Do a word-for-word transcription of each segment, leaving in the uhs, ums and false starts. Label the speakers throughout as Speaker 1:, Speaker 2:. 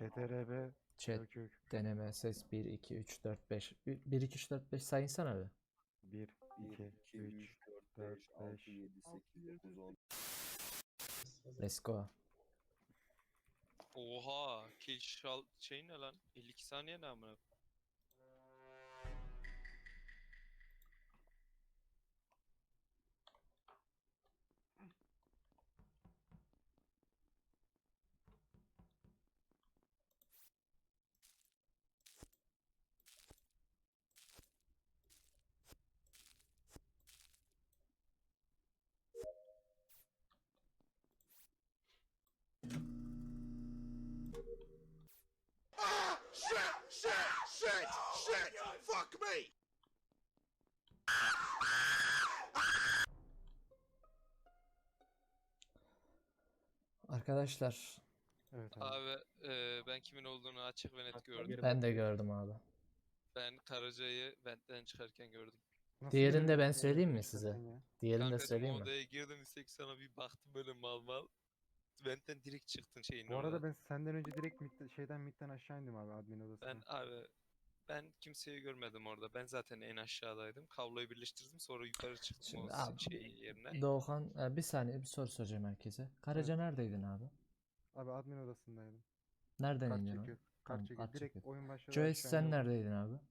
Speaker 1: C T R B
Speaker 2: Chat
Speaker 1: Gökök
Speaker 2: deneme ses bir iki üç dört beş. bir iki üç dört beş sayınsana abi.
Speaker 1: bir iki üç dört beş.
Speaker 2: Let's go.
Speaker 3: Oha, kill şal şey ne lan? elli iki saniye ne amına?
Speaker 4: Ah! Shit! Shit! Shit! Shit! Fuck me!
Speaker 2: Arkadaşlar
Speaker 1: Evet abi.
Speaker 3: Abi e, ben kimin olduğunu açık ve net gördüm.
Speaker 2: ben de gördüm abi.
Speaker 3: Ben Karaca'yı ventten çıkarken gördüm.
Speaker 1: Nasıl
Speaker 2: Diğerini de
Speaker 1: görebilirsin
Speaker 2: ben
Speaker 1: ya
Speaker 2: söyleyeyim mi
Speaker 1: ventten
Speaker 2: size?
Speaker 1: çıkarken ya?
Speaker 2: Diğerini de
Speaker 3: Kankacım
Speaker 2: söyleyeyim
Speaker 3: o
Speaker 2: mi?
Speaker 3: odaya girdim istek sana bir baktım böyle mal mal. Ventten direkt çıktın şeyin
Speaker 1: Bu arada
Speaker 3: oradan.
Speaker 1: ben senden önce direkt midde- şeyden midden aşağı indim abi admin odasına.
Speaker 3: Ben abi ben kimseyi görmedim orada. Ben zaten en aşağıdaydım. Kabloyu birleştirdim sonra yukarı çıktım
Speaker 2: Şimdi
Speaker 3: o
Speaker 2: abi,
Speaker 3: şey yerine.
Speaker 2: Doğukan e, bir saniye bir soru soracağım herkese. Karaca neredeydin abi?
Speaker 1: Abi admin odasındaydım.
Speaker 2: Nereden
Speaker 1: Kart
Speaker 2: indin abi?
Speaker 1: çekiyor. Kart
Speaker 2: Tamam,
Speaker 1: çekiyor.
Speaker 2: kart
Speaker 1: Direkt
Speaker 2: çekiyor.
Speaker 1: oyun başladı
Speaker 2: Joyce
Speaker 1: aşağı
Speaker 2: sen
Speaker 1: indim.
Speaker 2: neredeydin abi?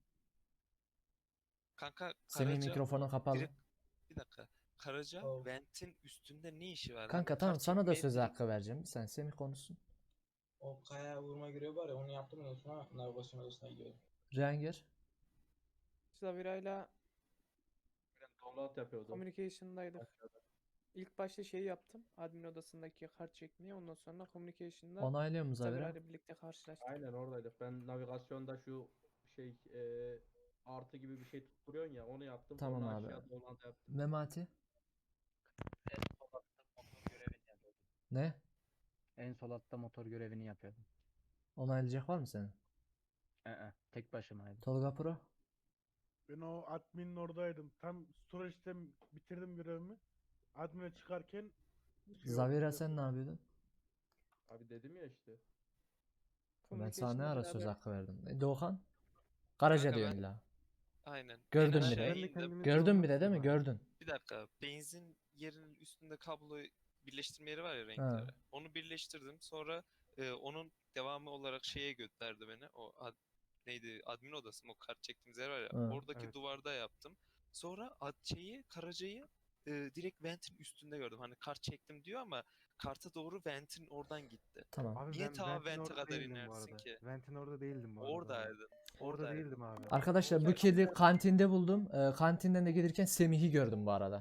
Speaker 3: Kanka
Speaker 2: Semih
Speaker 3: Karaca
Speaker 2: mikrofonun kapalı.
Speaker 3: direkt bir dakika. Karaca
Speaker 5: Oh.
Speaker 3: ventin üstünde ne işi var?
Speaker 2: Kanka
Speaker 3: Hani
Speaker 2: tamam
Speaker 3: kart
Speaker 2: sana da
Speaker 3: çekmeye
Speaker 2: söz
Speaker 3: direkt-
Speaker 2: hakkı vereceğim. Bir saniye Semih konuşsun.
Speaker 5: O kaya vurma görevi var ya onu yaptım ondan sonra navigasyon odasına gidiyordum.
Speaker 2: Rengir.
Speaker 6: Zavira'yla
Speaker 7: Download yapıyordum.
Speaker 6: communication'daydık.
Speaker 7: Aşağıda.
Speaker 6: İlk başta şeyi yaptım. Admin odasındaki kart çekmeyi. Ondan sonra communication'da
Speaker 2: Onaylıyor mu Zavira?
Speaker 6: Zavira'yla birlikte karşılaştık.
Speaker 7: Aynen oradaydık. Ben navigasyonda şu şey e, artı gibi bir şey tutturuyorsun ya onu yaptım.
Speaker 2: Tamam
Speaker 7: Sonra
Speaker 2: abi.
Speaker 7: aşağıda download yaptım.
Speaker 2: Memati.
Speaker 8: En sol altta motor görevini yapıyordum.
Speaker 2: Ne?
Speaker 8: En sol altta motor görevini yapıyordum.
Speaker 2: Onaylayacak var mı senin?
Speaker 8: Ee, tek başımaydım.
Speaker 2: Tolga Pro.
Speaker 9: Ben o adminin oradaydım. Tam storage'de bitirdim görevimi. Admin'e çıkarken şey
Speaker 2: Zavira
Speaker 9: oldu.
Speaker 2: sen ne yapıyordun?
Speaker 7: Abi dedim ya işte.
Speaker 2: Ben sana ne
Speaker 6: Communication'da
Speaker 2: ara söz
Speaker 6: beraber
Speaker 2: hakkı verdim? E, Doğukan. Karaca
Speaker 3: Kanka
Speaker 2: diyor
Speaker 3: ben-
Speaker 2: illa.
Speaker 3: Aynen.
Speaker 2: Gördün
Speaker 3: en
Speaker 2: bir de.
Speaker 3: aşağı
Speaker 1: Ben de
Speaker 3: indim.
Speaker 1: kendimi
Speaker 2: Gördün
Speaker 1: savunmak
Speaker 2: bir de değil mi?
Speaker 1: istiyorum abi.
Speaker 2: Gördün.
Speaker 3: Bir dakika. Benzin yerinin üstünde kabloyu birleştirme yeri var ya renkleri. Onu birleştirdim. Sonra e, onun devamı olarak şeye gönderdi beni. O ad- neydi? Admin odası mı? O kart çektiğimiz yer var ya.
Speaker 2: Ha.
Speaker 3: Oradaki
Speaker 1: Evet.
Speaker 3: duvarda yaptım. Sonra ad şeyi, Karaca'yı e, direkt ventin üstünde gördüm. Hani kart çektim diyor ama karta doğru ventin oradan gitti.
Speaker 2: Tamam.
Speaker 1: Abi
Speaker 3: Niye
Speaker 1: ben
Speaker 3: ta
Speaker 1: Vent'in
Speaker 3: vente
Speaker 1: orada
Speaker 3: kadar
Speaker 1: değildim bu
Speaker 3: inersin
Speaker 1: arada.
Speaker 3: ki?
Speaker 1: Vent'in orada değildim bu arada.
Speaker 3: Oradaydın.
Speaker 1: Orada
Speaker 3: Oradaydın.
Speaker 1: değildim abi.
Speaker 2: Arkadaşlar bu kedi kantinde buldum. Ee, kantinden de gelirken Semih'i gördüm bu arada.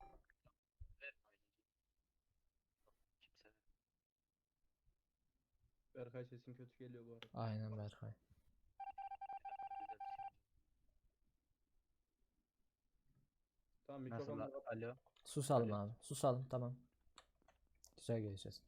Speaker 8: Kimse.
Speaker 7: Berkay sesin kötü geliyor bu arada.
Speaker 2: Aynen Berkay.
Speaker 7: Tamam
Speaker 8: Nasıl?
Speaker 7: mikrofonla kapat.
Speaker 8: Alo.
Speaker 2: Susalım
Speaker 8: Alo.
Speaker 2: abi. Susalım tamam. Güzel geleceğiz.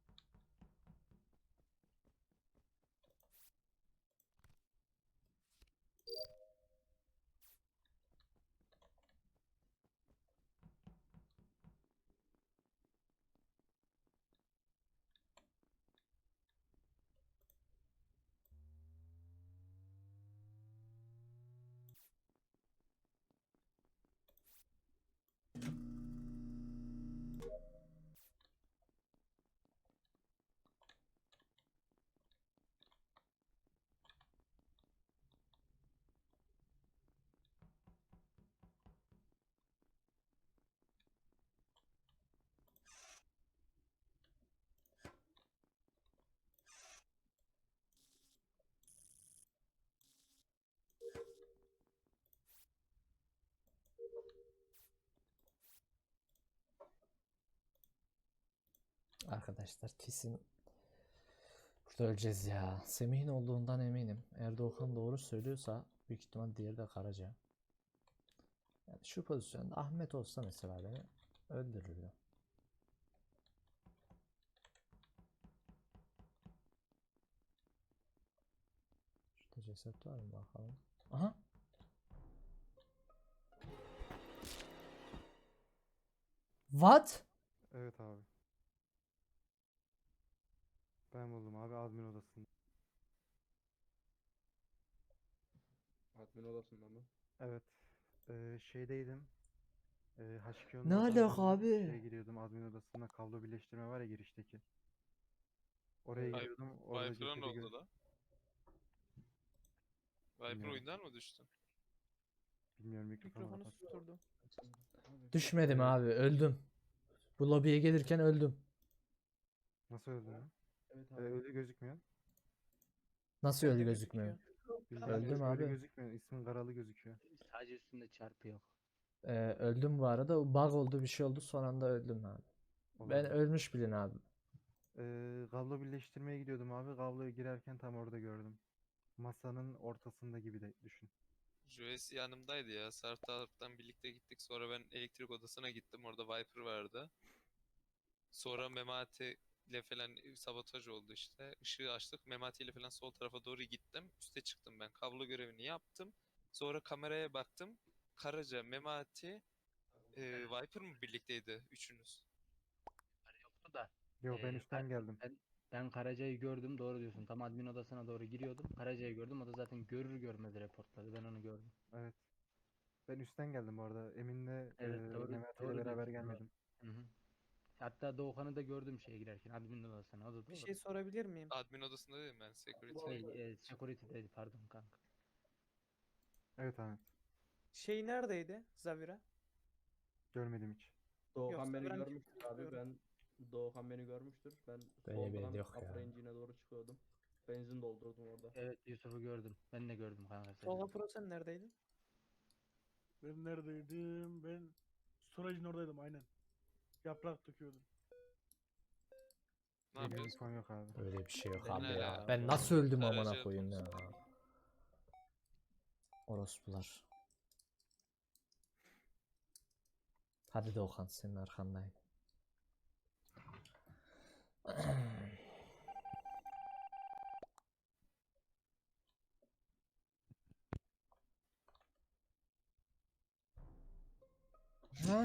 Speaker 2: Arkadaşlar kesin burada öleceğiz ya. Semih'in olduğundan eminim. Eğer Doğukan doğru söylüyorsa büyük ihtimal diğeri de Karaca. Yani şu pozisyonda Ahmet olsa mesela beni öldürürdü. Şurada ceset var mı bakalım. Aha. What?
Speaker 1: Evet abi. Ben buldum abi admin odasında.
Speaker 7: Admin odasında mı?
Speaker 1: Evet. Ee, şeydeydim. Ee, H iki O'nun
Speaker 2: Ne
Speaker 1: oradan
Speaker 2: alaka
Speaker 1: döndüm.
Speaker 2: abi?
Speaker 1: Şeye giriyordum, admin odasında kablo birleştirme var ya girişteki. Oraya
Speaker 7: Evet.
Speaker 1: giriyordum. Orada
Speaker 3: Viper'a ne
Speaker 1: cesedi
Speaker 3: oldu
Speaker 1: gör.
Speaker 3: da? Viper
Speaker 1: Bilmiyorum.
Speaker 3: oyundan mı düştü?
Speaker 1: Bilmiyorum, mikrofonu
Speaker 6: Mikrofonu
Speaker 1: kapat.
Speaker 6: susturdu.
Speaker 2: Düşmedim abi, öldüm. Bu lobiye gelirken öldüm.
Speaker 1: Nasıl öldü lan?
Speaker 7: Evet
Speaker 1: Ee,
Speaker 7: abi.
Speaker 1: ölü gözükmüyor.
Speaker 2: Nasıl
Speaker 6: Bende
Speaker 2: öldü gözükmüyor?
Speaker 1: Bildiğin
Speaker 2: Öldüm
Speaker 1: ölü
Speaker 2: abi.
Speaker 1: gözükmüyor. İsmin Karalı gözüküyor.
Speaker 8: Sadece üstünde çarpı yok.
Speaker 2: Ee, öldüm bu arada. Bug oldu, bir şey oldu. Son anda öldüm abi. Ben
Speaker 1: Olabilir.
Speaker 2: ölmüş bilin abi.
Speaker 1: Ee, kablo birleştirmeye gidiyordum abi. Kabloya girerken tam orada gördüm. Masanın ortasında gibi de düşün.
Speaker 3: Joyce yanımdaydı ya. Sartar'dan birlikte gittik. Sonra ben elektrik odasına gittim. Orada Viper vardı. Sonra Memati ile falan sabotaj oldu işte. Işığı açtık. Memati ile falan sol tarafa doğru gittim. Üste çıktım ben. Kablo görevini yaptım. Sonra kameraya baktım. Karaca, Memati, e, Viper mı birlikteydi üçünüz?
Speaker 8: Hani yoktu da.
Speaker 1: Yo, ben
Speaker 8: e,
Speaker 1: üstten
Speaker 8: Kar-
Speaker 1: geldim.
Speaker 8: ben, ben Karaca'yı gördüm, doğru diyorsun. Tam admin odasına doğru giriyordum. Karaca'yı gördüm. O da zaten görür görmez reportladı. Ben onu gördüm.
Speaker 1: Evet. Ben üstten geldim bu arada. Emin'le
Speaker 8: Evet,
Speaker 1: e,
Speaker 8: doğru
Speaker 1: Mehmet ile
Speaker 8: doğru
Speaker 1: beraber
Speaker 8: diyorsun. Doğru.
Speaker 1: gelmedim.
Speaker 8: Hı hı. Hatta Doğukan'ı da gördüm şeye girerken admin odasına. O da
Speaker 6: Bir
Speaker 8: doğru.
Speaker 6: şey sorabilir miyim?
Speaker 3: Admin odasında dedim ben. Security.
Speaker 8: Şey, e, security'deydi pardon kanka.
Speaker 1: Evet Ahmet.
Speaker 6: Şey neredeydi Zavira?
Speaker 1: Görmedim hiç.
Speaker 7: Doğukan
Speaker 6: Yoksa
Speaker 7: beni
Speaker 6: ben
Speaker 7: görmüştür
Speaker 6: kimseyi
Speaker 7: abi.
Speaker 6: bilmiyorum.
Speaker 7: Ben Doğukan beni görmüştür. Ben
Speaker 2: Böyle bir
Speaker 7: soldan
Speaker 2: yok ya.
Speaker 7: upper engine'e doğru çıkıyordum. Benzin doldurdum orada.
Speaker 8: Evet, Yusuf'u gördüm. Ben de gördüm kanka seni.
Speaker 6: Tolga Pro sen neredeydin?
Speaker 9: Ben neredeydim? Ben storage'ın oradaydım aynen. Yaprak döküyordum.
Speaker 3: Ne
Speaker 1: Benim
Speaker 3: yapıyorsun?
Speaker 1: infom yok abi.
Speaker 2: Öyle bir şey yok
Speaker 8: Ben
Speaker 2: abi
Speaker 3: de
Speaker 2: ya.
Speaker 3: öyle.
Speaker 2: Ben nasıl öldüm amına
Speaker 3: Karaca
Speaker 2: koyayım ya.
Speaker 3: konusunda.
Speaker 2: Orospular. Hadi Doğukan, senin arkandayım. Ha?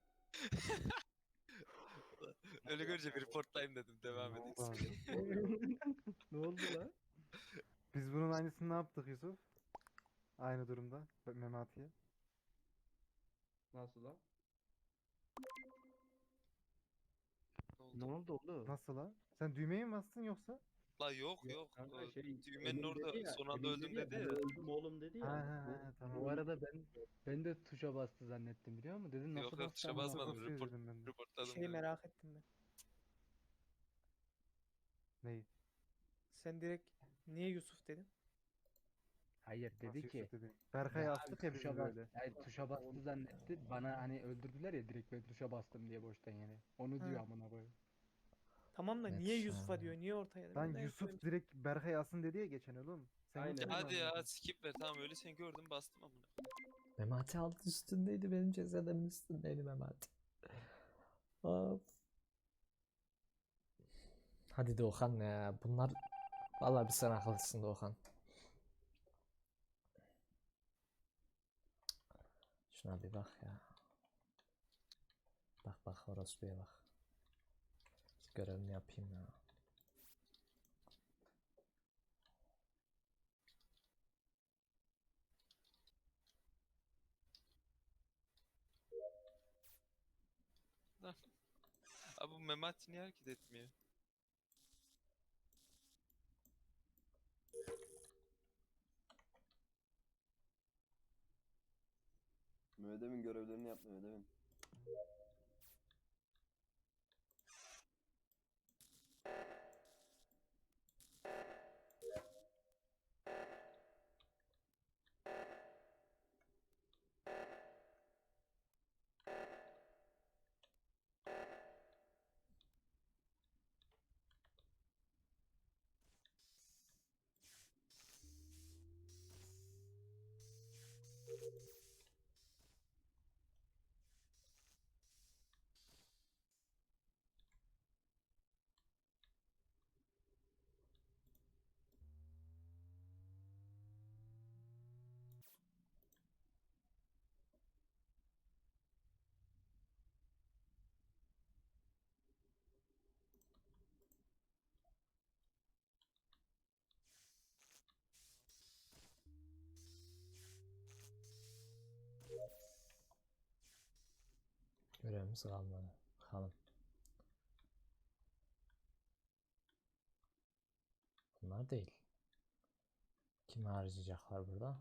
Speaker 3: Öyle görünce bir reportlayayım dedim. Devam
Speaker 1: Ne
Speaker 3: edeyim.
Speaker 1: oldu abi?
Speaker 7: Ne oldu lan?
Speaker 1: Biz bunun aynısını ne yaptık Yusuf? Aynı durumda. Be- Memati'ye.
Speaker 7: Nasıl lan?
Speaker 3: Ne oldu?
Speaker 8: oldu oğlum?
Speaker 1: Nasıl la? Sen düğmeye mi bastın yoksa?
Speaker 3: La yok
Speaker 7: Yok
Speaker 3: yok.
Speaker 7: kanka
Speaker 3: O
Speaker 7: şey
Speaker 3: düğmenin
Speaker 7: Emin
Speaker 3: orada
Speaker 7: dedi ya,
Speaker 3: son anda
Speaker 7: Emin
Speaker 3: öldüm
Speaker 7: ya,
Speaker 3: dedi
Speaker 7: ben
Speaker 3: ya.
Speaker 7: öldüm oğlum dedi
Speaker 1: Ha
Speaker 7: ya.
Speaker 1: ha
Speaker 7: Bu-
Speaker 1: ha tamam.
Speaker 8: Bu arada ben ben de tuşa bastı zannettim biliyor musun? Dedim nasıl
Speaker 3: Yok yok
Speaker 8: bastı
Speaker 3: tuşa
Speaker 8: amına
Speaker 3: basmadım.
Speaker 1: Nasıl
Speaker 8: koyayım?
Speaker 3: Report,
Speaker 1: dedim ben de.
Speaker 3: reportladım
Speaker 6: Şey
Speaker 3: dedim.
Speaker 6: merak ettim ben.
Speaker 1: Neyi?
Speaker 6: Sen direkt niye Yusuf dedin?
Speaker 8: Hayır
Speaker 1: Nasıl
Speaker 8: dedi ki
Speaker 1: Yusuf dedi. Berkay'ı
Speaker 8: ya
Speaker 1: astık
Speaker 8: abi
Speaker 1: ya biz
Speaker 8: tuşa bas,
Speaker 1: böyle.
Speaker 8: yani tuşa bastı zannetti. Bana hani öldürdüler ya direkt ben tuşa bastım diye boştan yani. Onu
Speaker 6: Ha.
Speaker 8: diyor amına koyayım.
Speaker 6: Tamam da
Speaker 2: Net
Speaker 6: niye
Speaker 2: şu
Speaker 6: Yusuf'a
Speaker 2: an.
Speaker 6: diyor? Niye ortaya?
Speaker 1: Lan
Speaker 6: Ben de
Speaker 1: Yusuf
Speaker 6: eklemiş-
Speaker 1: direkt Berkay'ı asın dedi ya geçen oğlum. Sen
Speaker 7: Aynen.
Speaker 3: Ya
Speaker 1: gitmedin mi
Speaker 3: hadi
Speaker 1: amına
Speaker 3: ya
Speaker 1: koyayım?
Speaker 3: skip ver tamam öyle seni gördüm bastım amına.
Speaker 2: Memati altı üstündeydi, benim cesedimin üstündeydi Memati. Of. Hadi Doğukan ya. Bunlar vallahi bir sen akıllısın Doğukan. Şuna bir bak ya. Bak bak orospuya bak. Görevimi yapayım ya.
Speaker 3: Abi bu Memati niye hareket etmiyor?
Speaker 10: Mehmet görevlerini yap Mehmet Emin.
Speaker 2: şeyimiz kalmadı. Bakalım. Bunlar değil. Kimi harcayacaklar burada?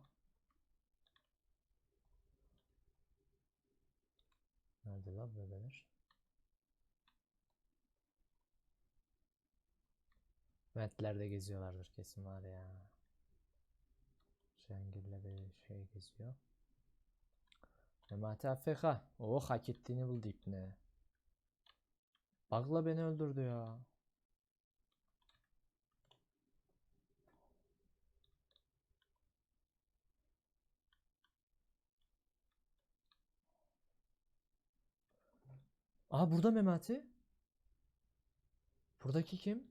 Speaker 2: Nerede lan bebeler? Ventlerde geziyorlardır kesin var ya. Şengül'le bir şey geziyor. Memati A F K. Oh, hak ettiğini buldu ipne. Bug'la beni öldürdü ya. Aa, burada Memati. Buradaki kim?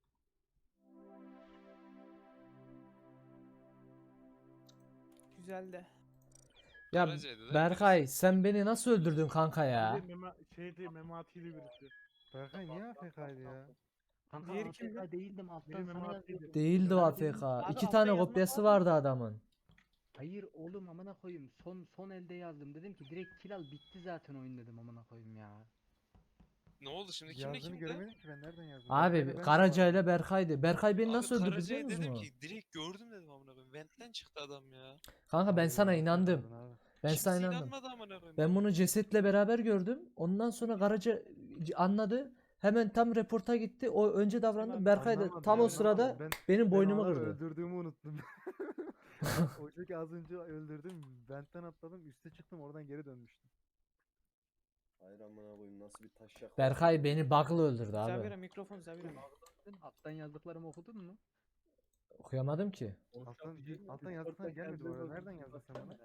Speaker 6: Güzel de.
Speaker 2: Ya
Speaker 3: Karaca'ydı değil mi
Speaker 2: Berkay, sen beni nasıl öldürdün kanka ya?
Speaker 9: Bir de Mema, şeydi Memati'li birisi.
Speaker 1: Berkay niye A F K'ydı ya?
Speaker 8: Kanka
Speaker 6: Diğeri
Speaker 8: A F K
Speaker 6: kimdi?
Speaker 8: değildim alttan
Speaker 9: Benim
Speaker 8: sana
Speaker 9: Memati'ydi.
Speaker 8: yazıyordum.
Speaker 2: Değildi o
Speaker 8: Neredeydin?
Speaker 2: A F K.
Speaker 6: Abi
Speaker 2: İki
Speaker 6: altta
Speaker 2: tane
Speaker 6: yazmak
Speaker 2: kopyası
Speaker 6: var
Speaker 2: vardı adamın.
Speaker 8: Hayır oğlum amına koyayım. Son son elde yazdım. Dedim ki direkt kill al bitti zaten oyun dedim amına koyayım ya.
Speaker 3: Ne oldu şimdi? Kimle
Speaker 1: Yazdığını
Speaker 3: kimdi?
Speaker 1: göremedim ki ben nereden yazdım?
Speaker 2: Abi
Speaker 1: Berkay'la ben de
Speaker 2: Karaca
Speaker 1: vardım.
Speaker 2: ile Berkay'dı. Berkay beni
Speaker 3: Abi
Speaker 2: nasıl öldürdü
Speaker 3: Karaca'ya
Speaker 2: biliyor
Speaker 3: dedim
Speaker 2: musun?
Speaker 3: ki direkt gördüm dedim amına koyayım. Vent'ten çıktı adam ya.
Speaker 2: Kanka ben
Speaker 1: Abi
Speaker 2: sana
Speaker 1: yanlış
Speaker 2: inandım.
Speaker 1: yazmadın abi.
Speaker 2: Ben
Speaker 3: Kimse
Speaker 2: sana inandım.
Speaker 3: inanmadı amına koyayım.
Speaker 2: Ben bunu cesetle beraber gördüm. Ondan sonra Karaca anladı. Hemen tam reporta gitti. O önce davrandı.
Speaker 6: Tamam,
Speaker 2: Berkay da
Speaker 1: Anlamadım,
Speaker 2: tam o
Speaker 1: anlamadım.
Speaker 2: sırada
Speaker 1: Ben-
Speaker 2: benim
Speaker 1: Ben
Speaker 2: boynumu
Speaker 1: onları
Speaker 2: kırdı.
Speaker 1: öldürdüğümü unuttum. O çünkü az önce öldürdüm. Bent'ten atladım. Üste çıktım. Oradan geri dönmüştüm.
Speaker 10: Hayır amına koyayım nasıl bir taş yak.
Speaker 2: Berkay beni bug'la öldürdü
Speaker 6: Zavira
Speaker 2: abi.
Speaker 6: mikrofon Zavira.
Speaker 8: Alttan yazdıklarımı okudun mu?
Speaker 2: Okuyamadım ki.
Speaker 1: Alttan, alttan yazdıktan gelmedi bu arada. Nereden yazdın sen bana?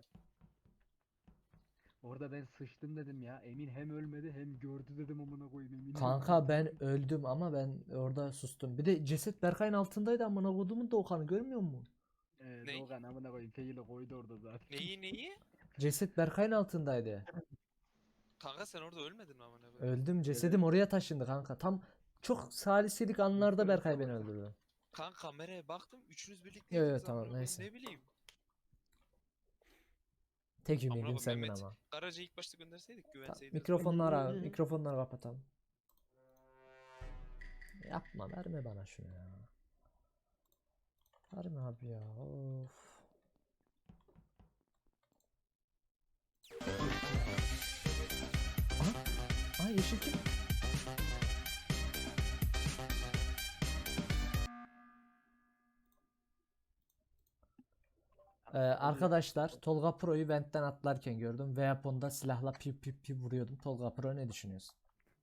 Speaker 8: Orada ben sıçtım dedim ya. Emin hem ölmedi hem gördü dedim amına koyayım Emin.
Speaker 2: Kanka ben öldüm ama ben orada sustum. Bir de ceset Berkay'ın altındaydı amına kodumun Doğukan'ı görmüyor musun?
Speaker 8: Ee,
Speaker 3: Ne?
Speaker 8: Doğukan amına koyayım Feyli koydu orada zaten.
Speaker 3: Neyi neyi?
Speaker 2: Ceset Berkay'ın altındaydı.
Speaker 3: Kanka sen orada ölmedin mi amına koyayım?
Speaker 2: Öldüm. Cesedim oraya taşındı kanka. Tam çok saliselik anlarda Berkay beni öldürdü.
Speaker 3: Kanka kameraya baktım. Üçünüz birlikte
Speaker 2: Yo, yo,
Speaker 3: yediniz
Speaker 2: tamam,
Speaker 3: amına koyayım,
Speaker 2: neyse.
Speaker 3: Ne bileyim.
Speaker 2: Tek
Speaker 3: Amına
Speaker 2: ümidim
Speaker 3: koyayım,
Speaker 2: sendin
Speaker 3: Mehmet
Speaker 2: ama.
Speaker 3: Karaca'yı ilk başta gönderseydik güvenseydik.
Speaker 2: Mikrofonları mikrofonları kapatalım. Yapma, verme bana şunu ya. Verme abi ya. Of. Aha. Aha, yeşil kim? Ee, arkadaşlar Tolga Pro'yu ventten atlarken gördüm. Weapon'da silahla pi pi pi vuruyordum. Tolga Pro ne düşünüyorsun?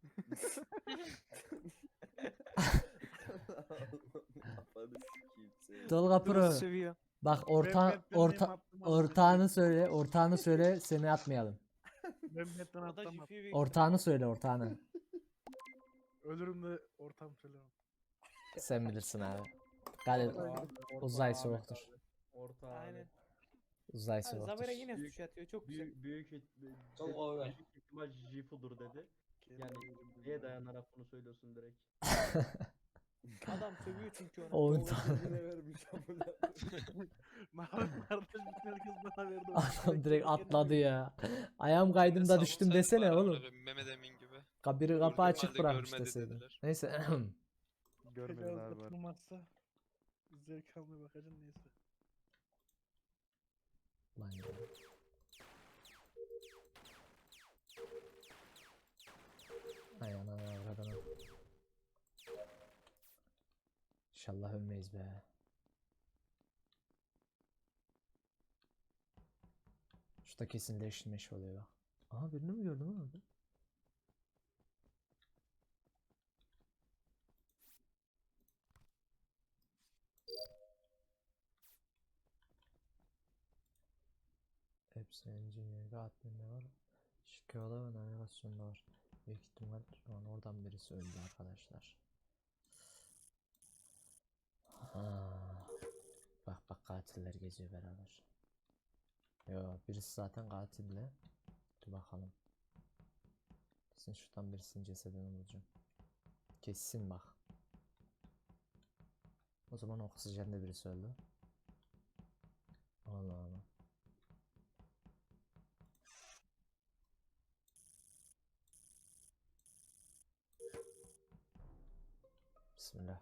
Speaker 10: Kafanı sikeyim seni.
Speaker 2: Tolga Pro
Speaker 6: Seviyor.
Speaker 2: bak
Speaker 9: Ben
Speaker 2: orta
Speaker 9: Bent'ten
Speaker 2: orta
Speaker 9: neyim attım amına
Speaker 2: ortağını söyle, ortağını söyle seni atmayalım.
Speaker 9: Ben Bent'ten
Speaker 6: O da
Speaker 9: atlamam.
Speaker 6: Jifi'yi büyük
Speaker 2: Ortağını söyle, ortağını.
Speaker 9: Ölürüm de ortam söylemem.
Speaker 2: Sen bilirsin abi. Galil uzay soğuktur.
Speaker 7: Orta
Speaker 6: ihtimal.
Speaker 7: abi.
Speaker 6: Aynen.
Speaker 2: Uzay
Speaker 6: Ha,
Speaker 2: soğuktur.
Speaker 6: Zavira yine
Speaker 7: Büyük-
Speaker 6: suç atıyor. Çok güzel.
Speaker 7: Büyük büyük ihtim-
Speaker 5: Çok
Speaker 7: dedi-
Speaker 5: over.
Speaker 7: büyük ihtimal Jifu'dur dedi. Yani neye dayanarak bunu söylüyorsun direkt?
Speaker 6: Adam sövüyor çünkü ona.
Speaker 2: On
Speaker 10: Oğlum
Speaker 2: tane.
Speaker 10: kendine vermiş amına.
Speaker 9: Kardeş bütün herkes bana verdi.
Speaker 2: Adam direkt atladı ya. Ayağım kaydımda
Speaker 3: Savunsaydın
Speaker 2: düştüm desene
Speaker 3: bari amına
Speaker 2: oğlum.
Speaker 3: koyayım, Mehmet Emin gibi.
Speaker 2: Kabiri
Speaker 3: Gördüğüm
Speaker 2: kapı açık
Speaker 3: halde
Speaker 2: bırakmış
Speaker 3: görmedi
Speaker 2: deseydin.
Speaker 3: dediler.
Speaker 2: Neyse.
Speaker 1: Görmediler bari.
Speaker 9: Tutulmazsa zevk almaya bakacağım neyse.
Speaker 2: Lan ya. Ay ana avradına. İnşallah ölmeyiz be. Şurada kesin leşmeş oluyor bak. Aha, birini mi gördüm orada? Hepsi engineer ve admin'de var. Şikayada ve navigasyonda var. Büyük ihtimal şu an oradan birisi öldü arkadaşlar. Ha. Bak bak, katiller geziyor beraber. Yo, birisi zaten katille. Dur bakalım. Kesin şuradan birisinin cesedini bulacağım. Kesin bak. O zaman oksijende birisi öldü. Allah Allah. Bismillah.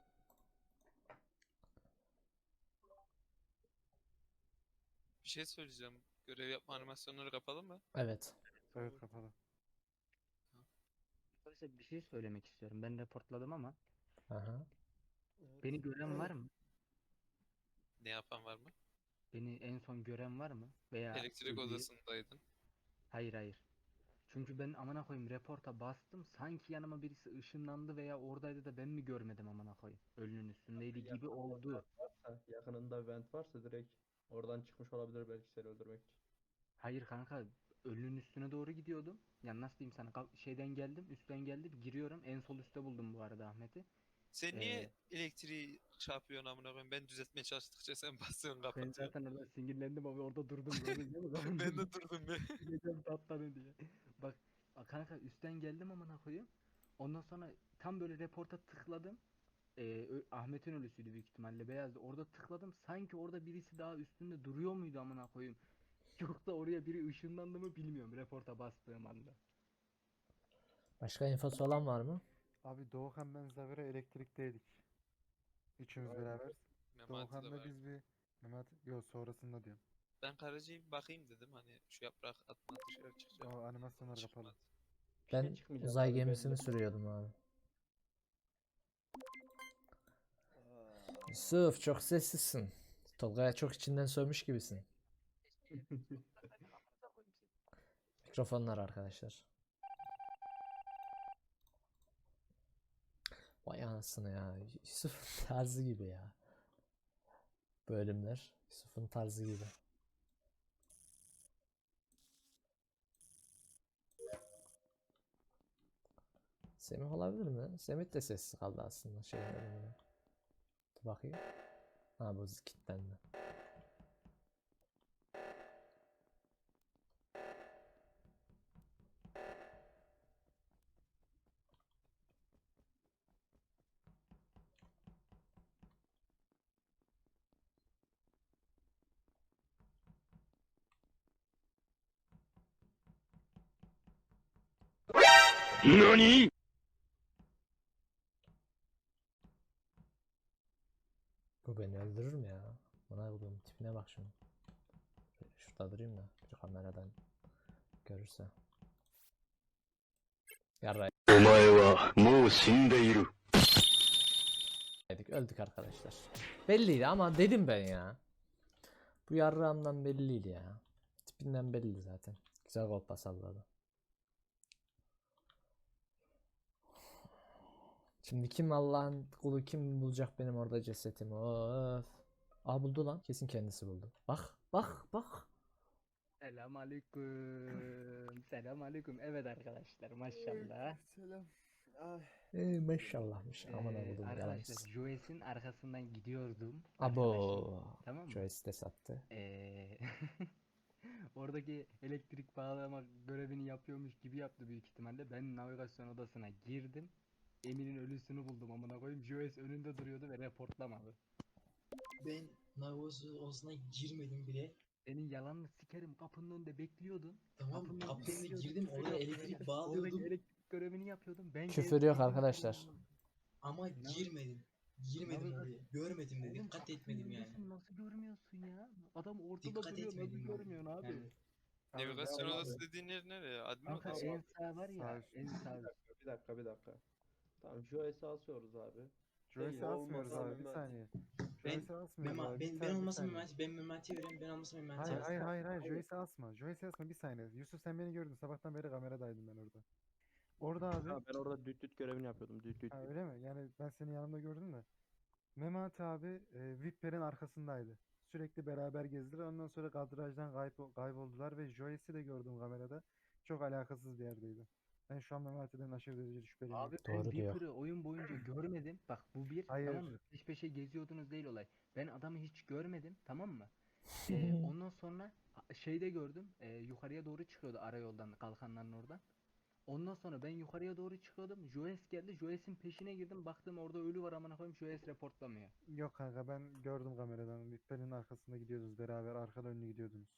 Speaker 3: Bir şey söyleyeceğim. Görev yapma animasyonları kapalı mı?
Speaker 2: Evet.
Speaker 1: Evet kapalı.
Speaker 8: Arkadaşlar bir şey söylemek istiyorum. Ben reportladım ama
Speaker 2: Aha.
Speaker 8: beni gören var mı?
Speaker 3: Ne yapan var mı?
Speaker 8: Beni en son gören var mı? Veya
Speaker 3: Elektrik
Speaker 8: ölüyü-
Speaker 3: odasındaydın.
Speaker 8: Hayır hayır. Çünkü ben amına koyayım reporta bastım. Sanki yanıma birisi ışınlandı veya oradaydı da ben mi görmedim amına koyayım. Ölünün üstündeydi gibi oldu.
Speaker 7: Varsa, yakınında vent varsa direkt oradan çıkmış olabilir belki seni öldürmek için.
Speaker 8: Hayır kanka, ölünün üstüne doğru gidiyordum. Yani nasıl diyeyim sana, kal- şeyden geldim, üstten geldim, giriyorum. En sol üstte buldum bu arada Ahmet'i.
Speaker 3: Sen
Speaker 8: Ee,
Speaker 3: niye elektriği çarpıyorsun amına koyayım? Ben düzeltmeye çalıştıkça sen basıyorsun
Speaker 8: Ben
Speaker 3: kapatıyorsun.
Speaker 8: zaten orada sinirlendim abi, orada durdum gördün değil mi? Ben
Speaker 3: Ben de durdum be.
Speaker 8: Gideceğim tatlanı diye. Bak a- kanka, üstten geldim amına koyayım. Ondan sonra tam böyle reporta tıkladım. Ee, Ö- Ahmet'in ölüsüydü büyük ihtimalle, beyazdı. Orada tıkladım. Sanki orada birisi daha üstünde duruyor muydu amına koyayım. Yoksa oraya biri ışınlandı mı bilmiyorum reporta bastığım anda.
Speaker 2: Başka infosu olan var mı?
Speaker 1: Abi Doğukan ben Zavira elektrikteydik. Üçümüz
Speaker 7: Aynen.
Speaker 1: beraber.
Speaker 3: Memati de
Speaker 1: Doğukan'la
Speaker 3: var.
Speaker 1: biz bir Mehmet yok sonrasında diyorum.
Speaker 3: Ben Karaca'yı bir bakayım dedim. Hani şu yaprak atma dışarı çıkacak.
Speaker 1: O animasyonlar kapalı.
Speaker 3: Çıkmadı.
Speaker 2: Ben
Speaker 7: çıkmayacak
Speaker 2: uzay
Speaker 7: abi,
Speaker 2: gemisini
Speaker 7: belli.
Speaker 2: sürüyordum abi.
Speaker 10: Aa,
Speaker 2: Yusuf çok sessizsin. Tolga'ya çok içinden sövmüş gibisin. Mikrofonlar arkadaşlar. Vay anasını ya. Yusuf'un tarzı gibi ya. Bölümler. Yusuf'un tarzı gibi. Semih olabilir mi? Semih de sessiz kaldı aslında şeyin bölümünde. Dur bakayım. Ha bu kilitlendi. Bu beni öldürür mü ya? Bana koyduğum tipine bak şunu. Şöyle şurada durayım da bir kameradan görürse. Yarraydık. Öldük arkadaşlar. Belliydi ama dedim ben ya. Bu yarrağımdan belliydi ya. Tipinden belli zaten. Güzel kolpa salladı. Şimdi kim Allah'ın kulu, kim bulacak benim orada cesetimi? Of. Aa buldu lan. Kesin kendisi buldu. Bak bak bak.
Speaker 8: Selam aleyküm. Selam aleyküm. Evet arkadaşlar, maşallah.
Speaker 10: selam. Ay.
Speaker 2: Ee, maşallahmış. Aman
Speaker 8: Ee,
Speaker 2: abudum
Speaker 8: arkadaşlar
Speaker 2: yalancısı.
Speaker 8: Joyce'in arkasından gidiyordum.
Speaker 2: Abo.
Speaker 8: arkadaşlar. Tamam mı?
Speaker 2: Joyce de sattı.
Speaker 8: Ee, oradaki elektrik bağlama görevini yapıyormuş gibi yaptı büyük ihtimalle. Ben navigasyon odasına girdim. Emir'in ölüsünü buldum amına koyayım. Joyce önünde duruyordu ve reportlamadı.
Speaker 5: Ben navigasyon odasına girmedim bile.
Speaker 8: Senin yalanını sikerim, kapının önünde bekliyordun.
Speaker 5: Tamam,
Speaker 8: Kapının önünde
Speaker 5: kapının önüne
Speaker 8: bekliyordun,
Speaker 5: girdim,
Speaker 8: küfür
Speaker 5: oraya
Speaker 8: yapıyordun.
Speaker 5: elektrik
Speaker 8: Oradaki
Speaker 5: bağlıyordum.
Speaker 8: elektrik görevini yapıyordum. Ben
Speaker 2: Küfür
Speaker 8: geldim,
Speaker 2: yok
Speaker 8: dedim,
Speaker 2: arkadaşlar.
Speaker 5: Ama
Speaker 8: Ne-
Speaker 5: girmedim. Girmedim
Speaker 8: Navigasyon-
Speaker 5: oraya. Görmedim de
Speaker 8: Oğlum
Speaker 5: dikkat
Speaker 8: kapının
Speaker 5: etmedim yani.
Speaker 8: önündesin, nasıl görmüyorsun ya? Adam ortada
Speaker 5: Dikkat
Speaker 8: duruyor, nasıl
Speaker 5: etmedim abi.
Speaker 8: görmüyorsun abi?
Speaker 5: Yani
Speaker 3: Navigasyon
Speaker 7: abi.
Speaker 3: odası dediğin yer nereye? Admin
Speaker 8: Kanka
Speaker 3: odası.
Speaker 8: en sağ var ya,
Speaker 1: Sağ üst.
Speaker 8: en sağ
Speaker 7: Bir dakika, bir dakika, bir dakika. Tamam, Joyce'i asıyoruz abi.
Speaker 1: Joyce'i
Speaker 10: Olmazsa
Speaker 1: asmıyoruz abi bir
Speaker 10: Mehmet.
Speaker 1: saniye.
Speaker 5: Ben-
Speaker 1: Joyce'i asmıyoruz
Speaker 5: Mema,
Speaker 1: abi bir
Speaker 5: ben, ben
Speaker 1: saniye, bir
Speaker 5: olmasam
Speaker 1: saniye.
Speaker 5: Memati, ben Memati'ye veriyorum. Ben olmasam Memati'ye
Speaker 1: Hayır
Speaker 5: veriyorum.
Speaker 1: hayır hayır hayır Joyce'i asma. Joyce'i asma bir saniye. Yusuf sen beni gördün. Sabahtan beri kameradaydım ben orada. Orada abi.
Speaker 7: Ha, ben orada düt düt görevini yapıyordum. Düt düt
Speaker 1: Ha,
Speaker 7: düt.
Speaker 1: öyle mi? Yani ben seni yanımda gördüm de. Memati abi e, Viper'in arkasındaydı. Sürekli beraber gezdiler. Ondan sonra kadrajdan kaybo- kayboldular ve Joyce'i de gördüm kamerada. Çok alakasız bir yerdeydi. Ben şu an Memati'den aşırı derecede şüpheliyim.
Speaker 8: Abi ben
Speaker 2: Doğru diyor.
Speaker 8: Viper'ı oyun boyunca görmedim. Bak bu bir,
Speaker 1: Hayır.
Speaker 8: tamam mı? Peş peşe geziyordunuz değil olay. Ben adamı hiç görmedim, tamam mı? Ee, ondan sonra a- şeyde gördüm. e, yukarıya doğru çıkıyordu arayoldan, kalkanların oradan. Ondan sonra ben yukarıya doğru çıkıyordum. Joyce geldi. Joyce'in peşine girdim. Baktım orada ölü var amına koyayım. Joyce reportlamıyor.
Speaker 1: Yok kanka ben gördüm kameradan. Viper'in arkasında gidiyordunuz beraber. Arkadan önlü gidiyordunuz.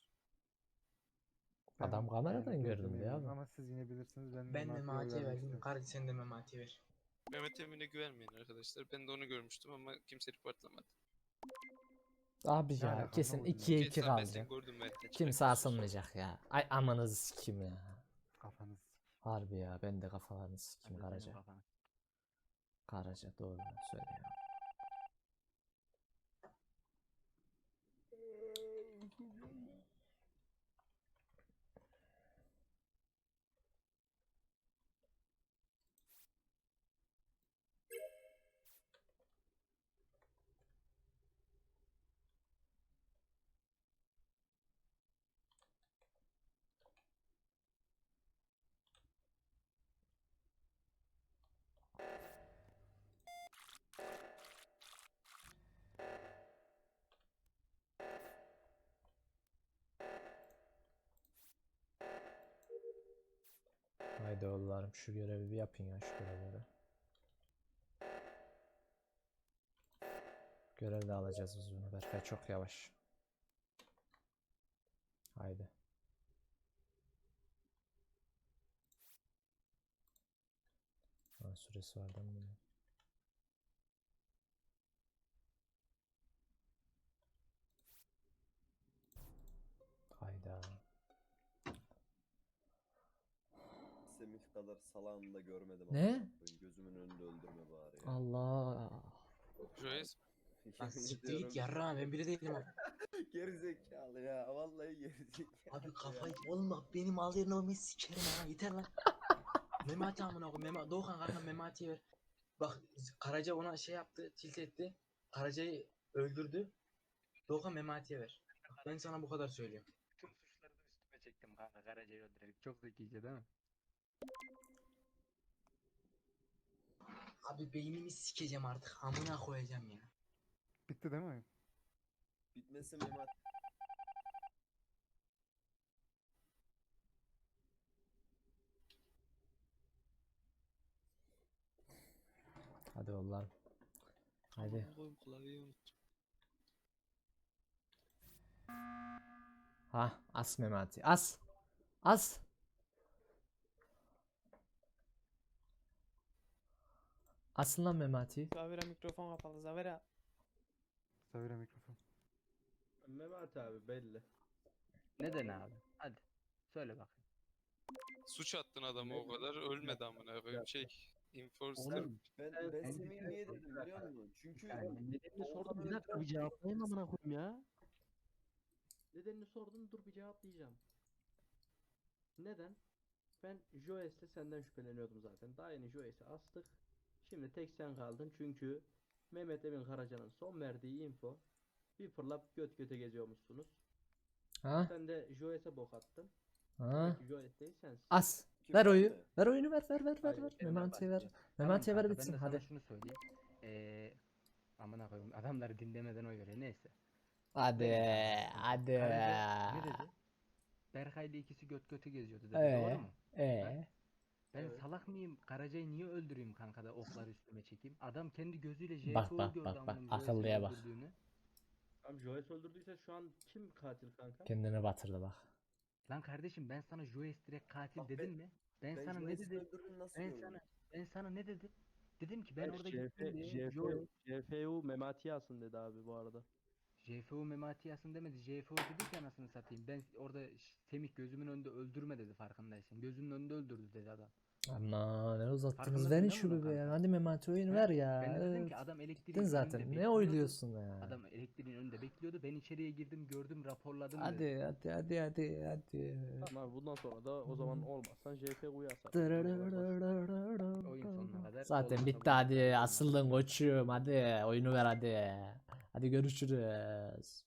Speaker 1: Ben
Speaker 2: Adam kameradan
Speaker 1: yani
Speaker 2: gördüm
Speaker 1: gördüğüme
Speaker 2: diyor
Speaker 1: eminim
Speaker 2: abi.
Speaker 1: Ama siz yine bilirsiniz. Ben
Speaker 5: Ben
Speaker 1: Memati'ye oy
Speaker 5: Memati'ye
Speaker 1: vermek
Speaker 5: verdim.
Speaker 1: istiyorum.
Speaker 5: Kardeş sen de Memati'ye ver.
Speaker 3: Mehmet Emin'e güvenmeyin arkadaşlar. Ben de onu görmüştüm ama kimse reportlamadı.
Speaker 2: Abi
Speaker 1: Ne
Speaker 2: ya
Speaker 1: alaka,
Speaker 2: kesin
Speaker 1: anlamadım
Speaker 2: ikiye
Speaker 1: ben.
Speaker 2: iki
Speaker 3: Geçen ben seni
Speaker 2: kalacak.
Speaker 3: gördüm Melih'ten
Speaker 2: Kimse
Speaker 3: çıkarken.
Speaker 2: asılmayacak ya. Ay amanızı sikim ya.
Speaker 1: Kafanız.
Speaker 2: Harbi ya ben de kafalarını sikim
Speaker 8: Hadi senin
Speaker 2: Karaca.
Speaker 8: kafana.
Speaker 2: Karaca doğru söylüyor. Haydi oğullarım şu görevi bir yapın ya şu görevleri. Görev de alacağız biz bunu. Berkay çok yavaş. Haydi. Ha, süresi var değil mi bunun? Hayda.
Speaker 10: Semih kadar salağını da görmedim.
Speaker 2: Ne?
Speaker 10: amına koyayım. Gözümün önünde öldürme bari ya.
Speaker 2: Allah.
Speaker 3: Joyce
Speaker 5: Lan
Speaker 10: Yemin
Speaker 5: siktir
Speaker 10: ediyorum.
Speaker 5: git yarrağım ben biri değilim abi.
Speaker 10: Gerizekalı ya. Vallahi gerizekalı.
Speaker 5: Abi kafayı oğlum bak benim al yerine olmayı sikerim ha yeter lan. Memati amına koy Mema Doğukan kanka Memati'ye ver. Bak Karaca ona şey yaptı tilt etti. Karaca'yı öldürdü. Doğukan Memati'ye ver. Bak, ben sana bu kadar söylüyorum.
Speaker 8: Tüm suçları da üstüme çektim kanka Karaca'yı öldürerek. Çok zekice değil mi?
Speaker 5: Abi beynimi sikeceğim artık amına koyacağım ya.
Speaker 1: Bitti değil mi oyun?
Speaker 10: Bitmesin Mehmet.
Speaker 2: Hadi oğullarım. Hadi.
Speaker 3: Aman koyayım klavyeyi unuttum.
Speaker 2: Ha as Memati. As. As. Asın lan Memati.
Speaker 6: Zavera mikrofon kapalı. Zavera.
Speaker 1: Savire mikrofon.
Speaker 7: Mehmet abi belli.
Speaker 8: Neden abi? Hadi. Söyle bakayım.
Speaker 3: Suç attın adamı o kadar ölmedi amına koyayım şey. Enforcer.
Speaker 10: Oğlum ben, ben
Speaker 7: Ben-
Speaker 10: Semih'i niye dedim biliyor musun? Çünkü
Speaker 8: Yani
Speaker 7: Nedenini
Speaker 10: Oğuzhan
Speaker 7: sordum.
Speaker 10: bir dakika, bir
Speaker 7: cevaplayayım amına koyayım ya. Nedenini sordum dur bir cevaplayacağım. Neden? Ben Joyce'le senden şüpheleniyordum zaten. Daha yeni Joyce'i astık. Şimdi tek sen kaldın çünkü Mehmet Emin Karaca'nın son verdiği info bir fırlap göt göte geziyormuşsunuz.
Speaker 2: Ha?
Speaker 7: Sen de Joyce'e bok attın.
Speaker 2: Ha?
Speaker 7: Peki Joyce değil sensin.
Speaker 2: As.
Speaker 10: Kim
Speaker 2: Ver oyu.
Speaker 10: bende?
Speaker 2: Ver oyunu ver ver ver ver
Speaker 7: Hayır,
Speaker 2: ver.
Speaker 7: benim
Speaker 2: Memati'ye ver.
Speaker 8: Tamam
Speaker 2: Memati'ye ver
Speaker 8: kanka,
Speaker 2: bitsin
Speaker 8: ben de sana
Speaker 2: hadi.
Speaker 8: şunu söyleyeyim. Ee, amına koyayım adamları dinlemeden oy veriyor neyse.
Speaker 2: Hadi.
Speaker 8: Neyse,
Speaker 2: Hadi.
Speaker 8: Karaca ne dedi? Berkay'la ikisi göt göte geziyordu dedi.
Speaker 2: Ee,
Speaker 8: Doğru mu?
Speaker 2: ee.
Speaker 8: Ben
Speaker 7: Evet.
Speaker 8: salak mıyım? Karaca'yı niye öldüreyim kanka da okları üstüme çekeyim? Adam kendi gözüyle J
Speaker 2: Bak,
Speaker 8: F O'yu
Speaker 2: bak,
Speaker 8: gördü
Speaker 2: bak, bak.
Speaker 8: amına Joyce'i
Speaker 2: Akıllıya bak.
Speaker 8: öldürdüğünü.
Speaker 7: Tamam Joyce öldürdüyse şu an kim katil kanka?
Speaker 2: Kendini batırdı bak.
Speaker 8: Lan kardeşim ben sana Joyce direkt katil
Speaker 10: Bak
Speaker 8: dedim
Speaker 10: ben-
Speaker 8: mi? Ben,
Speaker 10: ben
Speaker 8: sana ne
Speaker 10: Joyce'in
Speaker 8: dedim?
Speaker 10: öldürdüğünü nasıl
Speaker 8: Ben
Speaker 10: gördüm?
Speaker 8: sana ben sana ne dedim? Dedim ki ben
Speaker 7: Hayır,
Speaker 8: orada
Speaker 7: J
Speaker 8: gittim
Speaker 7: F,
Speaker 8: diye
Speaker 7: J F,
Speaker 8: Joyce
Speaker 7: J F U Memati Yasin dedi abi bu arada.
Speaker 8: J F O Mematiyasın demedi. J F O dedi ki anasını satayım. Ben orada ş- Semih gözümün önünde öldürme dedi farkındaysan. Gözümün önünde öldürdü dedi adam.
Speaker 2: Ama ne uzattınız
Speaker 8: Farkındasın
Speaker 2: verin
Speaker 8: değil mi
Speaker 2: şu
Speaker 8: bunun
Speaker 2: bebeğe.
Speaker 8: kanka?
Speaker 2: Hadi Memati oyunu
Speaker 8: Ha?
Speaker 2: ver ya.
Speaker 8: Ben de dedim
Speaker 2: Evet.
Speaker 8: ki adam elektriğin
Speaker 2: Gittin
Speaker 8: önünde
Speaker 2: zaten. Ne
Speaker 8: bekliyordu.
Speaker 2: oyluyorsun ya?
Speaker 8: Adam elektriğin önünde bekliyordu. Ben içeriye girdim, gördüm, raporladım dedi.
Speaker 2: Hadi hadi hadi hadi hadi.
Speaker 7: Tamam abi bundan sonra da o zaman olmazsan J F U'yu asar.
Speaker 8: Oyun sonuna kadar
Speaker 2: Zaten
Speaker 8: olmasa
Speaker 2: bitti
Speaker 8: bu
Speaker 2: hadi.
Speaker 8: kadar olmaz.
Speaker 2: Asıldın koçum. Hadi oyunu ver hadi. Hadi görüşürüz.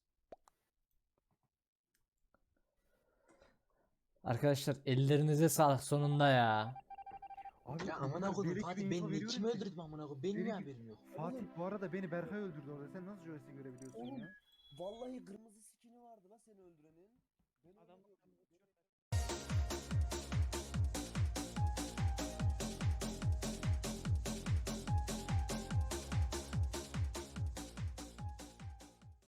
Speaker 2: Arkadaşlar ellerinize sağlık sonunda ya.
Speaker 1: Abi
Speaker 5: Ya
Speaker 1: o
Speaker 5: amına
Speaker 1: kadar
Speaker 5: koydum
Speaker 1: delik bir
Speaker 5: Fatih
Speaker 1: info
Speaker 5: ben
Speaker 1: veriyorum
Speaker 5: kimi
Speaker 1: ki.
Speaker 5: öldürdüm amına koyayım benim
Speaker 1: Delik
Speaker 5: niye
Speaker 1: bir-
Speaker 5: haberim yok.
Speaker 1: Fatih bu arada beni Berkay öldürdü orada. Sen nasıl Joyce'i görebiliyorsun
Speaker 10: Oğlum,
Speaker 1: ya?
Speaker 10: Vallahi kırmızı skini vardı la seni öldürenin. Ben
Speaker 6: Adam
Speaker 10: öldürüyordum.